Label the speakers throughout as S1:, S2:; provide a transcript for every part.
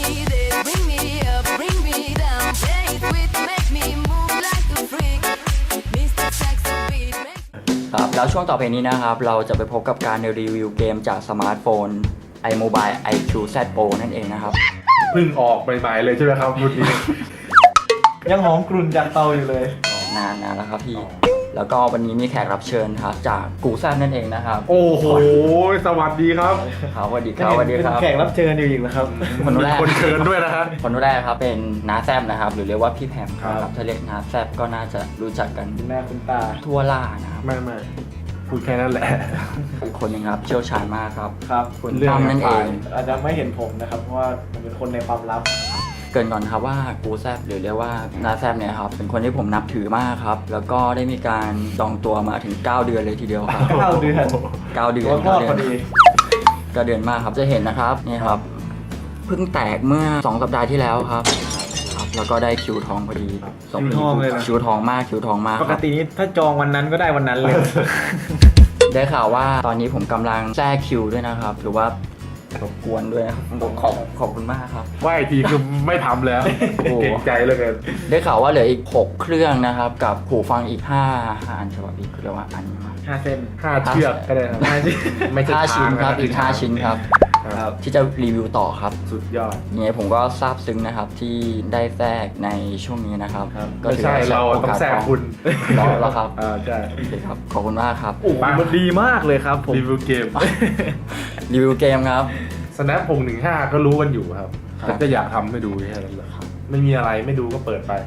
S1: be there, bring me up, bring me down. Play it with, make me move like a freak. Mr. Saxo Beat, make
S2: ครับแล้วช่วงต่อไปนี้นะครับเราจะไปพบกับการรีวิวเกมจากสมาร์ทโฟน iMobile IQ Z Pro นั่นเองนะครับ
S3: เพิ่งออกใหม่ๆเลยใช่ไหมครับรุ่นนี้
S4: ยังหอมกรุ่นจากเตาอยู่เลย
S2: นานแล้วครับพี่ แล้วก็วันนี้มีแขกรับเชิญครับจากกูแซนั่นเองนะครับ
S3: โอ้โหสวัสดีครับ
S2: ครับสวัสดีครับสวัสดีครับ
S4: เป็นแขกรับเชิญอยู่อีกแล้วครับ
S2: คนแรก
S3: คนเชิญด้วยนะฮะ
S2: คนแรกครับเป็นน้าแซบนะครับหรือเรียกว่าพี่แพม
S3: ครับ
S2: นะครับถ้าเรียกน้าแซบก็น่าจะรู้จักกัน
S4: คุณแม่คุณตา
S2: ทั่วล่านะครับ
S3: ไม่พูดแค่นั้นแหละ
S2: อีกคนหนึงครับเชี่ยวชาญมากครับ
S4: ครับ
S2: คุณตั้มนั่นเอง
S4: อาจจะไม่เห็นผมนะครับ เพราะว่าผมเป็นคนในความลับ
S2: เกรินก่อนครับว่ากูแซบหรือเรียกว่านาแซบเนี่ยครับเป็นคนที่ผมนับถือมากครับแล้วก็ได้มีการดองตัวมาถึง 9 เดือนเลยทีเดียวครับ
S4: 9 เดือน
S2: 9 เดือน
S4: ตัวพ่อพอดี
S2: 9 เดือนมากครับจะเห็นนะครับนี่ครับเพิ่งแตกเมื่อ 2 สัปดาห์ที่แล้วครับแล้วก็ได้คิวทองพอดีส
S4: คิวทองเลยนะ
S2: คิวทองมากคิวทองมาก
S4: ป
S2: ค
S4: ก
S2: รับ
S4: ตินี้ถ้าจองวันนั้นก็ได้วันนั้นเลย
S2: ได้ข่าวว่าตอนนี้ผมกำลังแทรกคิวด้วยนะครับหรือว่ารบกวนด้วยนะครับขอบคุณมากครับ
S3: ว่าอีกทีคือไม่ทำแล้ว
S2: โอ้
S3: เก่งใจเหลยกัน
S2: ได้ข่าวว่าเหลืออีก 6 เครื่องนะครับกับหูฟังอีก5อันฉบับอีกเรียกว่าอันนี้มา
S4: 5 เส้น
S3: 5 เชือกก็ได้ครับไม่ใช่
S2: 5 ชิ้นครับ
S3: ทางะ
S2: อีก 5 ชิ้นครับ
S3: ครับ
S2: ที่จะรีวิวต่อครับ
S3: สุดยอด
S2: ยังไงผมก็ซาบซึ้งนะครับที่ได้แทรกในช่วงนี้นะครับ ก็
S3: ไม่
S2: ถือ
S3: ใช่
S2: ว่า
S3: เราต้องแซงคุณ
S2: แล้วครับ
S3: ใช่
S2: โอเคครับขอบคุณมากครับ
S4: โอ้โหมันดีมากเลยครับผม
S3: รีวิวเกม
S2: รีวิวเกมครับ
S3: Snap 615 ก็รู้กันอยู่ครับ
S2: ครับ
S3: แต่ก็อยากทำให้ดูแค่นั้นแหละไม่มีอะไรไม่ดูก็เปิดไป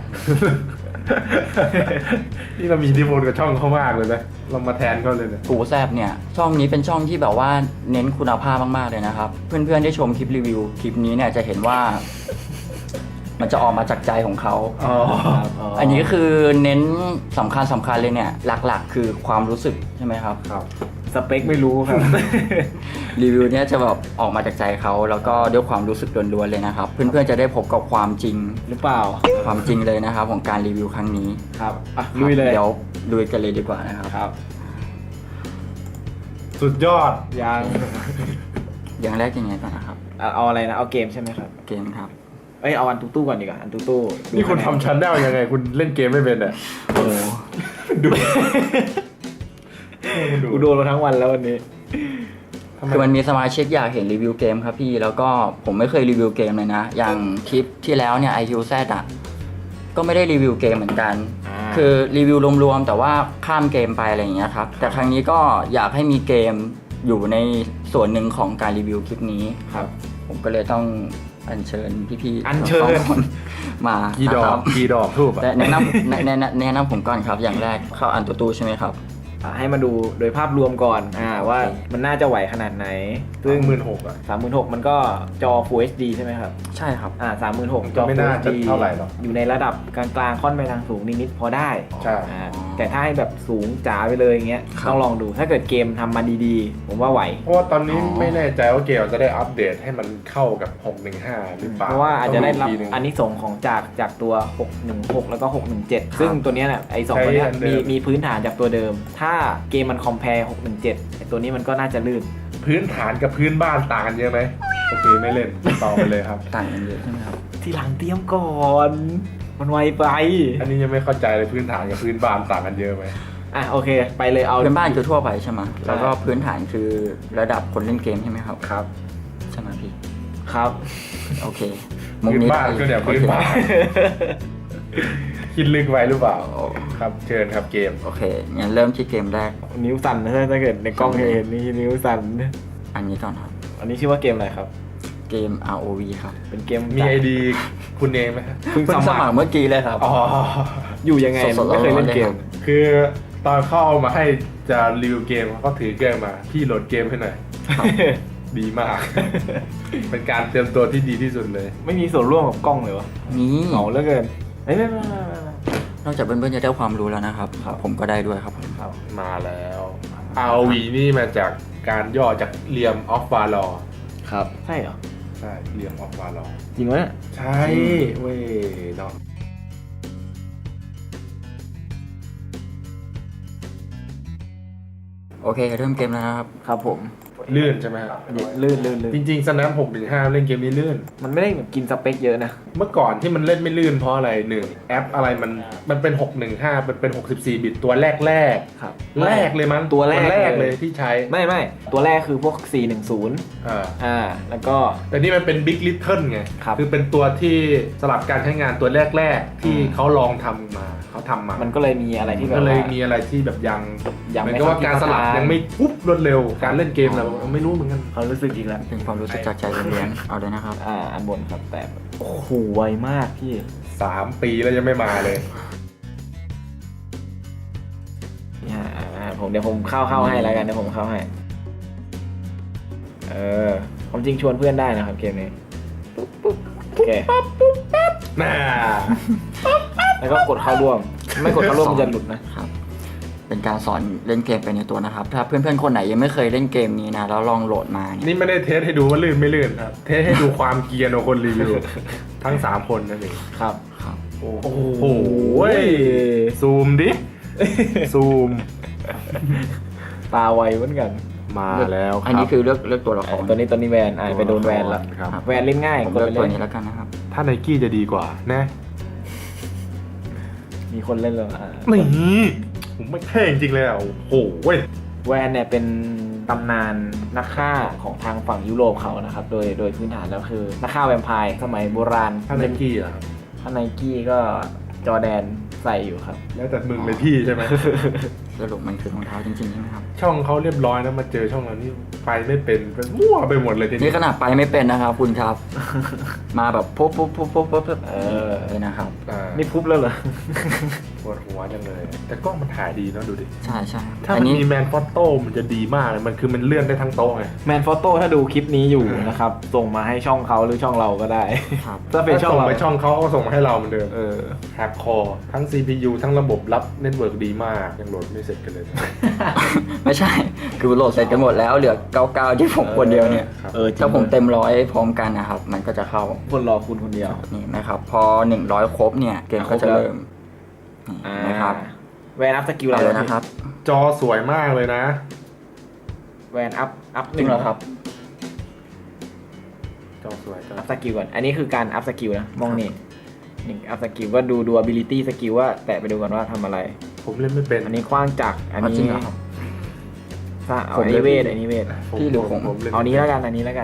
S3: นี่เรามีอิทธิพลกับช่องเขามากเลยนะเรามาแทนเขาเลยเนี่ย
S2: กูแซบเนี่ยช่องนี้เป็นช่องที่แบบว่าเน้นคุณภาพมากๆเลยนะครับ เพื่อนๆได้ชมคลิปรีวิวคลิปนี้เนี่ยจะเห็นว่า มันจะออกมาจากใจของเขา
S3: อ๋อ
S2: อันนี้คือเน้นสำคัญเลยเนี่ยหลักๆ คือความรู้สึกใช่ไหมครับ
S3: ครับ
S4: สเปคไม่รู้ครับ
S2: รีวิวเนี่ยจะแบบออกมาจากใจเขาแล้วก็ด้วยความรู้สึกล้วนๆเลยนะครับ เพื่อนๆจะได้พบกับความจริง
S4: หรือเปล่า
S2: ความจริงเลยนะครับ ของการรีวิวครั้งนี้
S4: ครับอ่ะลุยเลย
S2: เดี๋ยวลุยกันเลยดีกว่านะครับ
S4: ครับ
S3: สุดยอด
S4: ยัง
S2: อย่างแรกยังไงก่อนนะครับ
S4: เอาอะไรนะ เอาเกมใช่ไหมครับ
S2: เกมครับ
S4: เอ้ย เอาอันตู้ก่อนดีกว่า อันตู้ดู
S3: นี่คุณ
S4: ะแ
S3: ทำชั้นได้ยังไง คุณเล่นเกมไม่เป็นอ่ะ
S2: โอ้โห
S3: ดู
S4: กูโดนมาทั้งวันแล้ววันนี้
S2: คือมันมีสมาชิกอยากเห็นรีวิวเกมครับพี่แล้วก็ผมไม่เคยรีวิวเกมเลยนะ อย่างคลิปที่แล้วเนี่ย IQZ อ่ะก็ไม่ได้รีวิวเกมเหมือนกัน
S4: อ่า
S2: คือรีวิวรวมๆแต่ว่าข้ามเกมไปอะไรอย่างเงี้ยครับแต่ครั้งนี้ก็อยากให้มีเกมอยู่ในส่วนหนึ่งของการรีวิวคลิปนี้
S4: ครับ
S2: ผมก็เลยต้องอัญเชิญพี่ๆ
S4: อัญเชิญ
S2: สองคนมา
S3: กี่ด
S2: นะ
S3: อ
S2: ค
S3: ก
S2: รับ
S3: กี่ดอกทูบ
S2: แต่
S3: อ่ะ
S2: แนะนำแนะนำผมก่อนครับ อย่างแรกเข้าอันตัวตู้ใช่ไหมครับ
S4: ให้มาดูโดยภาพรวมก่อนว่ามันน่าจะไหวขนาดไหน ซึ่ง
S3: 16,000อ่ะ
S4: 36,000มันก็จอ Full HD ใช่ไหมครับ
S2: ใช่ครับ
S4: 36,000จอ
S3: ไม่
S4: Full
S3: น่าจะ
S4: HD
S3: เท่าไหร่หรอก
S4: อยู่ในระดับกลางๆค่อนไปทางสูงนิดๆพอได้
S3: ใช่
S4: แต่ถ้าให้แบบสูงจ๋าไปเลยอย่างเงี้ย
S2: ครับ
S4: ต้องลองดูถ้าเกิดเกมทำมาดีๆ ผมว่าไหว
S3: เพราะว่าตอนนี้ไม่แน่ใจว่าเกมจะได้อัปเดตให้มันเข้ากับ 615 หรือเปล่า
S4: เพราะว่าอาจจะได้รับ
S3: ต้งทีนึง
S4: อันนี้ส่งส์ของจากตัว 616 แล้วก็ 617 ซึ่งตัวเนี้ยเนี่ยไอ้สอง
S3: ใช้
S4: ตัวเนี้ย
S3: อันเดิม
S4: มีพื้นฐานจากตัวเดิม ถ้าเกมมันคอมเพล617ไอ้ตัวนี้มันก็น่าจะลื่น
S3: พื้นฐานกับพื้นบ้านต่างกันเยอะไหมโอเคไม่เล่นต่อไปเลยครับ
S2: ต่างกันเยอะใช่ไหมครับ
S4: ทีหลังเตรียมก่อน มันไวไป
S3: อันนี้ยังไม่เข้าใจเลยพื้นฐานกับพื้นบ้านต่างกันเยอะไหม
S4: อ่ะโอเค ไปเลยเอา
S2: พื้นบ้านคือทั่วไปใช่ไหม
S4: ใช่
S2: แล้วก็พื้นฐานคือระดับคนเล่นเกมใช่ไหมครับ
S4: ครับ
S2: ใช่ไหมพี่
S4: ครับ
S2: โอเค
S3: พื้นบ้าน
S2: ได้
S3: ก็เดี๋ยว
S2: โอ
S3: พื้น
S2: เค
S3: บ้านคิดลึกไว้หรือเปล่า
S2: โอ้
S3: ครับเชิญครับเกม
S2: โอเคงั้นเริ่มที่เกมแรก
S4: นิ้วสั่นนะถ้าเกิดในกล้องจะเห็นนี่นิ้วสั่น
S2: อันนี้ก่อนครับ
S4: อันนี้ชื่อว่าเกมอะไรครับ
S2: เกม ROV ครับ
S4: เป็นเกม
S3: มีไอดีคุณเองไหมครับ
S4: เพิ่ง
S2: เพิ่ง
S4: ส
S2: ส
S4: มั
S2: มั
S4: ค
S2: ค
S4: ร
S2: รเมื่อกี้เลยครับ
S3: อ๋อ
S4: อยู่ยังไง
S2: สดๆ
S4: ไม่เคยเล่นเกม
S2: ร้อนๆเลยครับ
S3: คือตอนเข้าเอามาให้จะรีวิวเกมเขาก็ถือเกมมาพี่โหลดเกมให้หน่อย ดีมาก เป็นการเตรียมตัวที่ดีที่สุดเลย
S4: ไม่มีส่วนร่วมกับกล้องเลยวะ
S2: นี่
S4: เหงาเหลือเกินเอ้ยไม่
S2: นอกจากเพื่อนๆจะได้ความรู้แล้วนะครับ ผมก็ได้ด้วยครับผม
S4: ครับ
S3: มาแล้ว ROV นี่มาจากการย่อจากเรียมออฟวาลอ
S4: ครับใช่เหรอ
S3: ใช่เรียมออฟวาลอ
S4: จริงวะเนี่ย
S3: ใช่เว้ยเนาะ
S2: โอเคเริ่มเกมแล้วนะครับ
S4: ครับผม
S3: ลื่นใช่ไหมครับ
S4: ลื่น
S3: จริงๆ Snap 615 เล่นเกมนี้ลื่น
S4: มันไม่ได้แบบกินสเปคเยอะนะ
S3: เมื่อก่อนที่มันเล่นไม่ลื่นเพราะอะไรหนึ่งแอปอะไรมันเป็น 615 มันเป็น64 บิตตัวแรก
S4: ครับ
S3: แรกเลยมั้ง
S4: ตัวแรก
S3: เลยที่ใช้
S4: ไม่ตัวแรกคือพวก 410 แล้วก็
S3: แต่นี่มันเป็น Big Little ไง
S4: ครับ
S3: คือเป็นตัวที่สลับการใช้งานตัวแรกๆที่เขาลองทำมาเขาทำมา
S4: มันก็เลยมีอะไรที่แบบ
S3: ก็เลย
S4: ว่า
S3: มีอะไรที่แบบยัง
S4: ยัง
S3: เห
S4: ไม่
S3: มือนกับว่าการสลับ
S4: เข้าที่
S3: ยังไม่ปุ๊บรวดเร็วการเล่นเกมเราไม่รู้เหมือนกัน
S4: เขารู้สึกอีกแล้ว
S2: เป็นความรู้สึกจากใจเลี้ยงๆเอาเลยนะครับ
S4: อันบนครับแต่โอ้โหไวมากพี่
S3: 3 ปีแล้วยังไม่มาเลย
S4: เดี๋ยวผมเข้าให้แล้วกันเดี๋ยวผมเข้าให้ความจริงชวนเพื่อนได้นะครับเกมนี้ปุ๊บโอเค
S3: น่า
S4: แล้วก็กดเข้าร่วม ไม่กดเข้าร่วมมันจะหลุดนะ
S2: ครับ เป็นการสอนเล่นเกมไปในตัวนะครับ ถ้าเพื่อนๆคนไหนยังไม่เคยเล่นเกมนี้นะแล้วลองโหลดมาเนี่ย
S3: นี่ไม่ได้เทสให้ดูว่าลื่นไม่ลื่นครับ เทสให้ดูความเกรียร์ของคนรีวิว ทั้ง 3 คนนั่นเอง
S4: ครับ
S2: ครับ
S3: โอ้โหซูมดิ ซูม
S4: ตาไวเหมือนกัน
S3: มาแล้วครับ
S2: อันนี้คือเลือกตัวละคร
S4: ตัวนี้แวนไปโดนแวนแล้ว
S3: ครับ
S4: แวนเล่นง่าย
S2: ผม
S4: กด
S2: เลือก
S4: ไป
S2: ตัว
S4: เล่น
S2: นี้แล้วกันนะครับ
S3: ถ้าไนกี้จะดีกว่านะ
S4: มีคนเล่นแล้ว
S3: นี่ผมไม่เท่จริงๆเลยอ่ะโอ้โหเว้ย
S4: แวนเนี่ยเป็นตำนานนักฆ่าของทางฝั่งยุโรปเขานะครับโดยพื้นฐานแล้วคือนักฆ่าแวมไพร์สมัยโบราณ
S3: ถ้าไนกี้อ่ะ
S4: ถ้าไนกี้ก็จอร์แดนใส่อยู่ครับ
S3: แล้วแต่มึงเลยพี่ใช่ไหม
S2: สรุปมันคือรองเท้าจริงๆใช่ไหมครับ
S3: ช่องเขาเรียบร้อยนะมาเจอช่องเรานี่ไปไม่เป็นมั่วไปหมดเลยที
S2: นี่
S3: นี้
S2: ขนาดไปไม่เป็นนะครับคุณครับ มาแบบปุ๊บเลยนะครับ
S4: นี่พุบแล้วเหรอ
S3: ปวดหัวจังเลย แต่กล้องมันถ่ายดีเนาะดูดิ
S2: ใช่ใช่ครับ
S3: ถ้า
S2: อั
S3: มัน
S2: นี้
S3: มีแมนฟอตโต้มันจะดีมากเลยมันคือมันเลื่อนได้ทั้งโต๊ะไง
S4: แมนฟอโต้ถ้าดูคลิปนี้อยู่นะครับ ส่งมาให้ช่องเขาหรือช่องเราก็ได้
S2: ครับ
S4: ถ้าเป็นช่อง
S3: ส่ง
S4: เรา
S3: ไปช่องเขาก็ส่งมาให้เราเหมือนเดิมแฮปคอร์ทั้ง CPU ทั้งระบบรับเน็ตเวิร์กดีมากยังโหลดไม่เสร็จกันเลย
S2: ไม่ใช่ คือโหลดเสร็จกันหมดแล้วเหลือ99ที่ผมคนเดียวเนี่ย
S3: ครับ
S2: ถ้าผมเต็ม100พร้อมกันนะครับ มันก็จะเข้า
S4: คนรอคุณคนเดียว
S2: นี่นะครับ พอ100ครบเนี่ยเกมก็จะเริ่มนี่นะครับ
S4: แวนอัพสกิลอะไร
S2: เอาเลยนะครับ
S3: จอสวยมากเลยนะ
S4: แวนอัพ
S2: จริงเหรอครับ
S3: จอสวยจอ
S4: อัพสกิลก่อนอันนี้คือการอัพสกิลนะมองนี่อัพสกิลก็ดู ability สกิลว่าแตะไปดูก่อนว่าทำอะไร
S3: ผมเล่นไม่เป็น
S4: อันนี้คว้างจักรอัน
S2: จริ
S4: นี้
S2: งเหรอครับ
S4: เอา
S2: ผม
S4: อัน
S2: เล่
S4: นี้
S2: น
S4: เวทอันนี้เวท
S2: พี่หรือผม
S3: เล่น
S4: เอานี้แล้วกันอันนี้แล้วกัน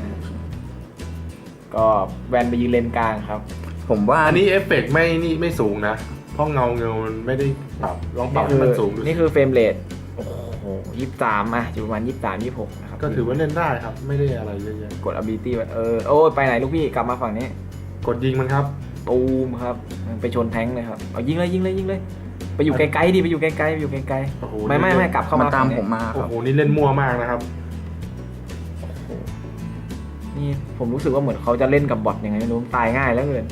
S4: ก็แวนไปยืนเลนกลางครับ
S2: ผมว่า
S3: อันนี้เอฟเฟกต์ไม่สูงนะ เพราะเงามันไม่ได้ปรับลองปรับให้มันสูงดูสิ
S4: นี่คือเฟรมเรทโอ้โห23อยู่ประมาณ23-26นะครับ
S3: ก็ถือว่าเล่นได้ครับ ไม่ได้อะไรเยอะแยะ
S4: กด ability ไว้โอ้ยไปไหนลูกพี่กลับมาฝั่งนี้
S3: กดยิงมันครับ
S4: ตูมครับไปชนแท้งเลยครับเอายิงเลยไปอยู่ไกลๆดิไปอยู่ไกลๆไปอยู่ไกล
S3: โอ้โห
S4: ๆไม่กลับเข้า
S2: มัน
S4: มา
S2: ตาม
S4: ฝั่งนี้
S2: ผมมาค
S3: โอ้
S2: รับ
S3: โหนี่เล่นมั่วมากนะครับ
S4: นี่ผมรู้สึกว่าเหมือนเขาจะเล่นกับบอทยังไงไม่รู้ตายง่ายแล้วเกิน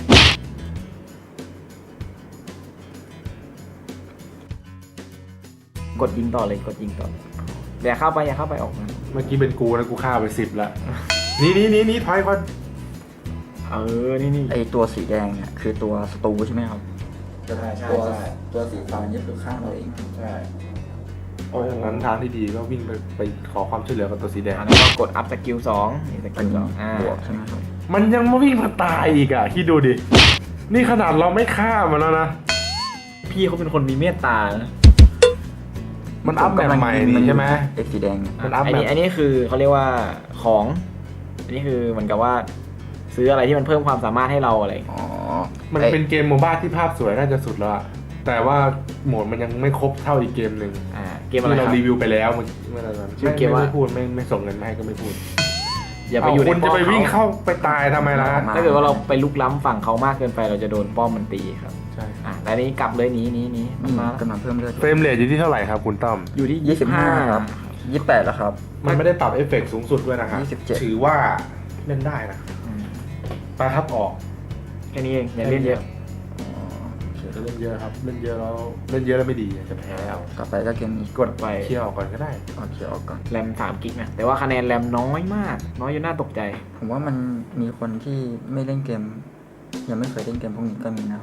S4: กดยิงต่อเลยอย่าเข้าไปออกมา
S3: เมื่อกี้เป็นกูนะกูฆ่าไป10ละนี่ถอยก่อน
S4: นี่
S2: ไอตัวสีแดงเนี่ยคือตัวศัตรูใช่ไหมครับ
S4: ใช่
S2: ตัวสีฟ้านี่คือข้างเราเอง
S4: ใช่
S3: โอ้ยนั้นทางที่ดีก็วิ่งไปขอความช่วยเหลือกับตัวสีแดง
S4: แล้วก็กดอัพสกิล2นี่ส
S2: อั
S4: กิ
S2: น
S4: ล
S2: นี้
S4: 2
S2: บวกใช่ไหมครับ
S3: มันยังมาวิ่งมาตายอีกอ่ะคิดดูดิ นี่ขนาดเราไม่ฆ่ามันแล้วนะ
S4: พี่เขาเป็นคนมีเมตตานะ
S3: มันอัพแบบใหม่นี่ใช่ไหม
S2: เอ็กสีแดงเนี่ย
S3: มันอัพแบบ
S4: อันนี้คือเขาเรียกว่าของอันนี้คือเหมือนกับว่าซื้ออะไรที่มันเพิ่มความสามารถให้เราอะไร
S2: อ๋อ
S3: มันเป็นเกมโมบ้าที่ภาพสวยน่าจะสุดแล้วอะแต่ว่าโหมดมันยังไม่ครบเท่าอีกเกมหนึ่ง
S4: เกมอะไร
S3: ที่
S4: ค
S3: เรา
S4: รับ
S3: รีวิวไปแล้วเมื่อไหร่นั้น
S4: ชื่อเกมว่า
S3: ไม่พูดไม่ส่งเงินมาให้ก็ไม่พูด
S4: อย่าไปอยู่ใน
S3: คุณ
S4: ป้
S3: จะ
S4: อม
S3: ไปวิ่ง
S4: เขา
S3: เข้าไปตายทำไมล่ะ
S4: ถ้าเกิดว่าเราไปลุกล้ำฝั่งเขามากเกินไปเราจะโดนป้อมมันตีครับ
S3: ใช่
S4: แต่อันนี้กลับเลยหนีมันมา
S2: กำลังเพิ่มเลือด
S3: เฟรมเรทอยู่ที่เท่าไหร่ครับคุณต้อม
S4: อยู่ที่
S2: 25ครับ28แล้วครับ
S3: มันไม่ได้ปรับเอฟเฟกต์สูงสุดด้วยนะครับ
S2: 27
S3: ถือว่าเล่นได้นะ
S4: อืม
S3: ไปครับออก
S4: แค่นี้เองอย่าเล่นเยอะ
S3: จะเล่นเยอะครับ เล่นเยอะแล้วไม่ดีจะแพ้เอา
S2: ต่อไปก็เกมนี้
S4: กดไป
S3: เคี่ยวก่อนก็ได้
S2: เอาเขียวออกก่อน
S4: แรม3กิกนะแต่ว่าคะแนนแรมน้อยมาก น้อยจนน่าตกใจ
S2: ผมว่ามันมีคนที่ไม่เล่นเกม ยังไม่เคยเล่นเกมพวกนี้ก็มีนะครับ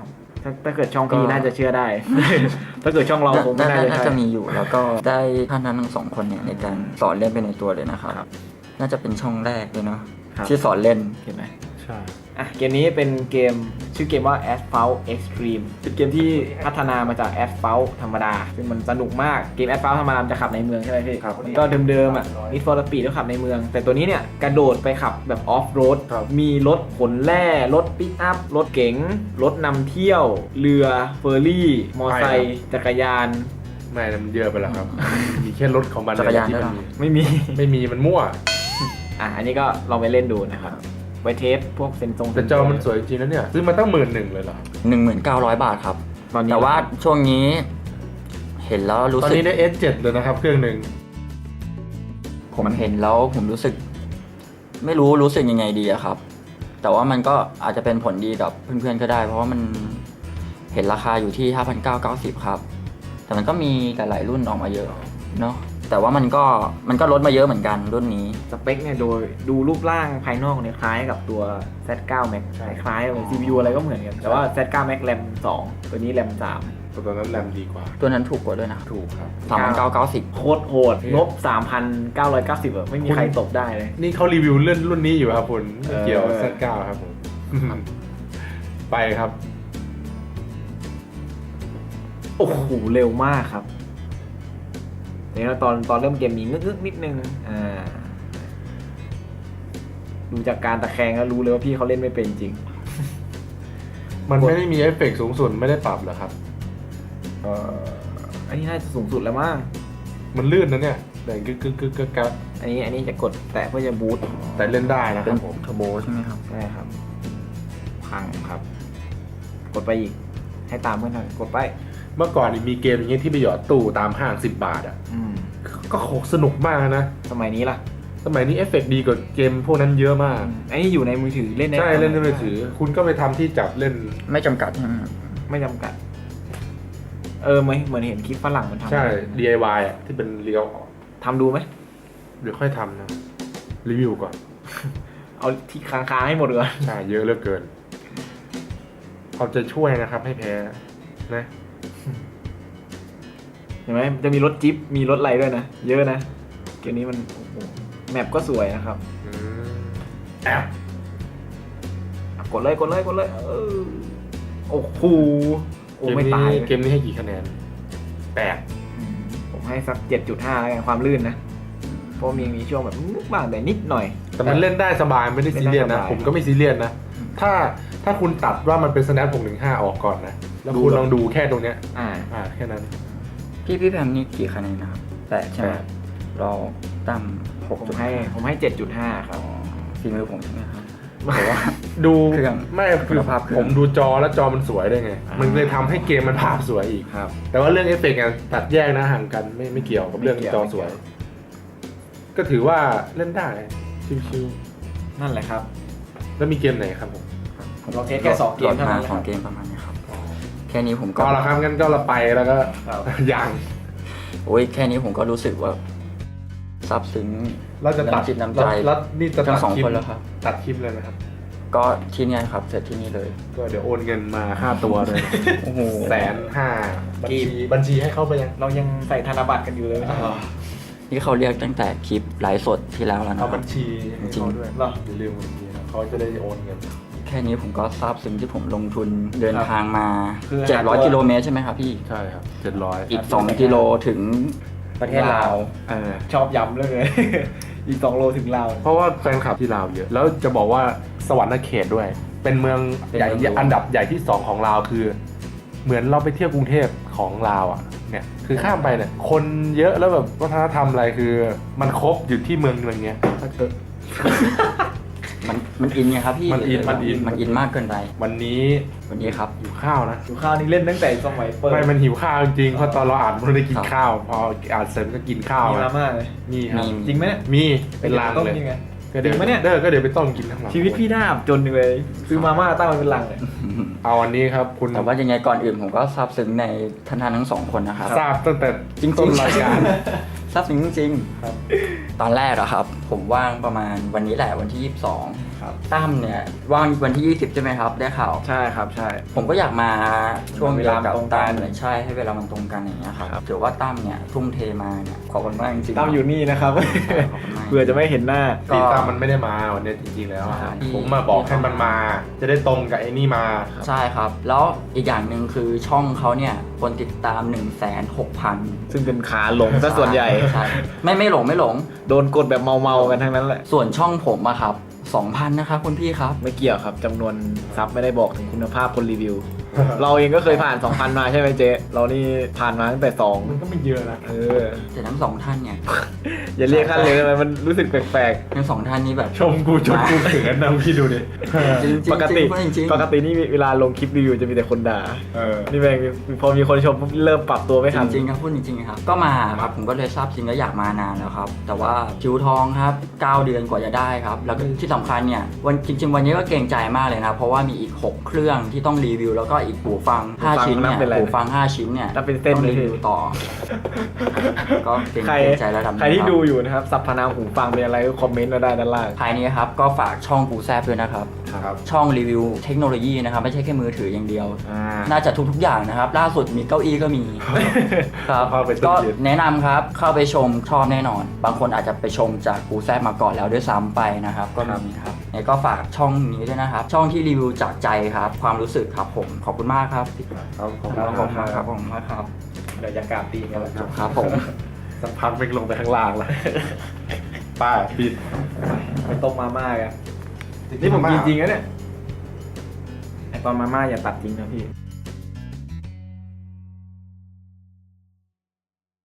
S4: ถ้าเกิดช่องพี่น่าจะเชื่อได้ ถ้าเกิดช่องเราคงไม่น่าจะ
S2: น่า
S4: ใช่
S2: จะมีอยู่แล้วก็ได้ท่านนั้นทั้งสองคนเนี่ยในการสอนเล่นไปในตัวเลยนะครับ น่าจะเป็นช่องแรกเลยเนาะ
S4: ครับ
S2: ที่สอนเล่น
S4: เห็นไหม
S3: ใช่
S4: อ่ะเกมนี้เป็นเกมชื่อเกมว่า Asphalt Extreme เป็นเกมที่พัฒนามาจาก Asphalt ธรรมดา ซึ่งมันสนุกมากเกม Asphalt ธรรมดาจะขับในเมืองใช่ไหมพี่มันก็เดิมๆอ่ะ Need for Speed ก็ขับในเมือง แต่ตัวนี้เนี่ยกระโดดไปขับแบบ off road มีรถขนแร่รถปิกอัพรถเก๋งรถนำเที่ยว เรือเฟอร์รี่มอไซค์จักรยาน
S3: ไม่มันเยอะไปแล้วครับ มีแค่รถของมัน
S2: จักรยาน
S3: ที่
S2: ด้วย
S3: มัน
S2: เหรอ
S3: มี
S4: ไม่มี
S3: มันมั่ว
S4: อันนี้ก็ลองไปเล่นดูนะครับไว้เทสพวกเซนซง
S3: แต่จอมันสวยจริงนะเนี่ยซื้อมาตั้ง11,000เลยเหรอ
S2: 19,000 บาทครับ
S4: ตอนนี้
S2: แต่ว่าช่วงนี้เห็นแล้วรู้
S3: ตอน
S2: สึก
S3: นี้ได้ S7 เลยนะครับเครื่องหนึ่ง
S2: ผมเห็นแล้วผมรู้สึก ไม่รู้สึกยังไงดีอะครับ แต่ว่ามันก็อาจจะเป็นผลดีกับเพื่อนๆก็ได้ เพราะว่ามันเห็นราคาอยู่ที่ 5,990 ครับ แต่มันก็มีหลายๆรุ่นออกมาเยอะเนาะแต่ว่ามันก็ลดมาเยอะเหมือนกันรุ่นนี้
S4: สเปคเนี่ยโดยดูรูปร่างภายนอกเนี่ยคล้ายกับตัว Z9 Max คล้ายๆเลย CPU อะไรก็เหมือนกัน แต่ว่า Z9 Max RAM 2 ตัวนี้ RAM 3
S3: ตัวนั้นแรมดีกว่า
S2: ตัวนั้นถูกกว่าด้วยนะ
S3: ถูกครับ
S2: 3,990
S4: โคตรโหดงบ 3,990อะไม่มีใครตบได้เลย
S3: นี่เขารีวิวเลื่อนรุ่นนี้อยู่ครับคุณไม่เกี่ยว
S4: เออ
S3: Z9 ครับผม ไปครับ
S4: โอ้โห เร็วมากครับนี่แล้วตอนเริ่มเกมมีงึกๆนิดนึงดูจากการตะแคงแล้วรู้เลยว่าพี่เขาเล่นไม่เป็นจริง
S3: มันไม่ได้มีเอฟเฟกต์สูงสุดไม่ได้ปรับเหรอครับ
S4: อันนี้น่าจะสูงสุดแล้วมั้ง
S3: มันลื่นนะเนี่ยแต่กึกกัก
S4: อันนี้จะกดแตะเพื่อจะบูต
S3: แต่เล่นได้นะค
S2: เป็
S3: รั
S2: น
S3: บผม
S2: เทอร์โบใช่ไหมครับ
S4: ใช่ครับ พังครับ กดไปอีก ให้ตามเพื่อนหน่อยกดไป
S3: เมื่อก่อนนี่มีเกมอย่างเงี้ยที่ไปหยอดตู้ตามห้าง10 บาทอ่ะ ก็โคตรสนุกมากนะ
S4: สมัยนี้ล่ะ
S3: สมัยนี้เอฟเฟกต์ดีกว่าเกมพวกนั้นเยอะมาก
S4: อันนี้อยู่ในมือถือเล่นได้
S3: ใช่เล่นในมือถือ คุณก็ไปทำที่จับเล่น
S2: ไม่จำกัดใช่ไหมครับ
S4: ไม่จำกัด เหมือนเห็นคลิปฝรั่งมันทำ
S3: ใช่ DIY อ่ะที่เป็นเลี้ยวออก
S4: ทำดูไหม
S3: เดี๋ยวค่อยทำนะ รีวิวก่อน
S4: เอาที่ค้างๆให้หมดก่อน
S3: ใช่ เยอะเหลือเกินเอาใจะช่วยนะครับให้แพ้นะ
S4: เห็นไหมจะมีรถจิ๊บมีรถอะไรด้วยนะ เยอะนะเกมนี้มันโอ้โหแมปก็สวยนะครับ
S3: แอบ
S4: กดเลยโอ้โหโอ้ไม่ตาย
S3: เกมนี้ให้กี่คะแนน8
S4: ผมให้สัก 7.5 แล้วกันความลื่นนะ เพราะมีช่วงแบบนึกบ้างแต่นิดหน่อย
S3: แต่มันเล่นได้สบายไม่ได้ซีเรียส
S4: เล่นได้
S3: นะ
S4: สบาย
S3: ผมก็ไม่ซีเรียสนะ ถ้าคุณตัดว่ามันเป็น Snap 615 ออกก่อนนะ แล้วคุณลองดูแค่ตรงเนี้ย แค่นั้น
S2: พี่แพมนี่กี่คะแนนนะครับ8ใช่ไหม
S3: 8
S2: เราตั้ม
S4: ผมให้ 7.5 ครับ
S2: ฝีมือผมใช่ไหมครับแต่ว่า
S3: ดู
S2: เครื่อง
S3: ไม่
S2: คุณภาพเครื่อง
S3: ผมดูจอแล้วจอมันสวยได้ไง มันเลยทำให้เกมมันภาพสวยอีก
S4: ครับ
S3: แต่ว่าเรื่องเอฟเฟกต์อะตัดแยกนะห่างกันไม่เกี่ยวกับเรื่อง
S4: ไม่เกี่ยว
S3: จอสวย ก็ถือว่าเล่นได้ชิว
S4: นั่นแหละครับ
S3: ๆแล้วมีเกมไหนครับผม
S4: เราเทสแค่2 เกมเท่านั้น
S2: สองเกมประมาณนี้ครับ แค่นี้ผมก็
S3: ก็ละครับงั้นก็เราไปแล้วก็
S4: ครับ
S3: ยัง
S2: โอ้ยแค่นี้ผมก็รู้สึกว่าซาบซึ้ง
S3: เราจะตัด
S2: น้ำจิตน้ำใจ
S3: แล้วนี่จะ
S2: ทั้
S3: ตัด
S2: งสอง
S3: คลิป
S2: คนแล้วครับ
S3: ตัดคลิปเลยนะครับ
S2: ก็ที่นี่ครับเสร็จที่นี่เลย
S3: ก็เดี๋ยวโอนเงินมาค่าตัวเลย
S2: โอ้โห
S3: 150,000บัญชีให้เข้าไปยัง
S4: เรายังใส่ธนบัตรกันอยู่เลยไม่ใช่เหรอ
S2: นี่เขาเรียกตั้งแต่คลิปไลฟ์สดที่แล้วแล้วนะค
S3: เอา
S2: รับ
S3: บัญชีให้เขาด้วย
S4: เหรอ
S3: อย่าลืมบัญชีนะเขาจะได้โอนเงิน
S2: แค่นี้ผมก็ซาบซึ้งที่ผมลงทุนเดินทางมา
S4: คือ
S2: 700 กิโลเมตรใช่ไหมครับพี่
S3: ใช่ครับ700
S2: อีก 2 กิโลถึงประเทศลาว
S4: ชอบย้ำเลย อีก 2 โลถึงลาว
S3: เพราะว่าแฟนคลับที่ลาวเยอะ แล้วจะบอกว่าสวรรค์เขตด้วย เป็นเมืองใหญ่อันดับใหญ่ที่ 2 ของลาวคือ เหมือนเราไปเที่ยวกรุงเทพของลาวอ่ะเนี่ยคือข้ามไปเนี่ยคนเยอะแล้วแบบวัฒนธรรมอะไรคือ มันครบอยู่ที่เมืองเนี้ย
S2: มันอินไงครับพี่
S3: มันอิน
S2: มันอินมากเกินไป
S3: วันนี้
S2: วันนี้ครับ
S3: หิวข้าวนะ
S4: ดูข้าวนี่เล่นตั้งแต่สมัยเปิด
S3: ไม่มันหิวข้าวจริงๆเพราะตอนเราอ่านมันได้กินข้าว พออ่านเสร็จก็กินข้าว
S4: มีมาม่าเลย
S3: มีครับ
S2: มี
S4: จริงไหมเนี่ย
S3: มีเป็นลัง
S4: ต้ม
S3: เลย
S4: ยังไง
S3: ก็เดี๋ยว
S4: จริงปะเนี่ย
S3: ก็เดี๋ยวไปต้มกินทั้งหลัง
S4: ชีวิตพี่น่าอับจนเลย ซื้อมาม่าตั้งมันเป็นลังเลย
S3: เอาวันนี้ครับคุณ
S2: แต่ว่ายังไงก่อนอื่นผมก็ซาบซึ้งในท่านทั้งสองคนนะครับ
S3: ทราบตั้งแต่
S2: จริงๆ
S3: ต้นรายการ
S2: ซาบซึ้งจริง
S3: ครับ
S2: ๆตอนแรกอะครับ ผมว่างประมาณวันนี้แหละวันที่ 22
S4: ครับ
S2: ตั้มเนี่ยว่างวันที่ 20 ใช่ไหมครับ ได้ข่าว
S4: ใช่ครับใช่
S2: ผมก็อยากมาช่วง
S4: เวลา
S2: กับ
S4: ตรงกัน
S2: ตั้มเลยใช่ให้เวลามันตรงกันอย่างเงี้ยครับ
S4: ครับ
S2: ถือว่าตั้มเนี่ยทุ่มเทมาเนี่ยขอบคุณมากจริงๆ
S4: ตั้มอยู่นี่นะครับ
S2: ขอบคุณมาก
S4: เผื่อจะไม่เห็นหน้า
S3: พี่ตามมันไม่ได้มาวันนี้จริงๆแล้วอะ
S2: ใช่
S3: ผมมาบอกให้มันมา จะได้ตรงกับไอ้นี่มา
S2: ใช่ครับ แล้วอีกอย่างหนึ่งคือช่องเขาเนี่ยคนติดตาม 160,000
S4: ซึ่งเป็นขาหลงซะส่วนใหญ่
S2: ใช่ไม่หลง
S4: โดนกดแบบเมาๆกันทั้งนั้นแหละ
S2: ส่วนช่องผมอะครับ 2,000 นะครับคุณพี่ครับ
S4: ไม่เกี่ยวครับจำนวนซับไม่ได้บอกถึงคุณภาพคนรีวิว เราเองก็เคยผ่าน 2,000 มาใช่ไหมเจ๊เรานี่ผ่านมาตั้งแต่
S3: มันก็ไม่เยอะนะ
S4: 2เออ
S2: แต่ทั้งสองท่านเนี่ย
S4: อย่าเรียกขั้นเลยได้ไหมมันรู้สึกแปลก
S2: ทั้งสองท่านนี้แบบ
S3: ชมกูจนกูเขินนะพี่ดูดิ
S2: จริงๆ
S4: ๆ ปกติ
S2: จริงๆ
S4: ปกตินี่เวลาลงคลิปรีวิวจะมีแต่คนด่า
S3: เออ
S4: นี่แม่งพอมีคนชมปุ๊บเริ่มปรับตัวไม่
S2: จ
S4: ทัน
S2: ริงๆครับพูดจริงๆครับก็มาครับผมก็เลยทราบจริงก็อยากมานานแล้วครับ แต่ว่าคิวทองครับ 9 เดือนกว่าจะได้ครับ แล้วก็ที่สำคัญเนี่ยจริง ๆ วันนี้ก็เกรงใจมากเลยนะ เพราะว่ามีอีก 6 เครื่องที่ต้องรีวิว แล้วก็อีกหูฟัง 5 ชิ้นเนี่ยหูฟัง 5 ชิ้นเนี่ย
S4: นับเป็นเส้น
S2: ต้อง
S4: เลย
S2: รีวิวต่อ ก็เกรง
S4: ใคร
S2: ใจระดับหนึ่ง
S4: ใครที่
S2: ครับ
S4: ดูอยู่นะครับสรรพนามหูฟังเป็นอะไรก็คอมเมนต์มาได้ด้านล่าง
S2: ภายนี้ครับก็ฝากช่องกูแซบด้วยนะครับ
S3: ครับ
S2: ช่องรีวิวเทคโนโลยีนะครับไม่ใช่แค่มือถืออย่างเดียว
S4: อ่า
S2: น่าจะทุกๆอย่างนะครับ ล่าสุดมีเก้าอี้ก็มี ครับ
S3: เข้าไป
S2: ก็
S3: เย็น
S2: แนะนำครับเข้าไปชมชอบแน่นอน บางคนอาจจะไปชมจากกูแซบมาก่อนแล้วด้วยซ้ำไปนะครับ ก็มีครับเนี่ยก็ฝากช่องนี้ด้วยนะครับ ช่องที่รีวิวจากใจครับ ความรู้สึกครับผมขอบคุณมากครับ
S3: ครับขอบ
S2: ขอบ
S3: คุ
S2: คุณ ณ
S3: มาก
S2: ครับผมมากครับ
S4: เดี๋ยวจะกราบตีกันแล้ว
S2: ครับผม
S3: สักพักไปลงไปข้างล่างแล้วป้าปิด
S4: ไปต้มมาม่ากันนี่ผมกินจริงนะเนี่ยไอตอนมาม่าอย่าตัดจริงนะพี่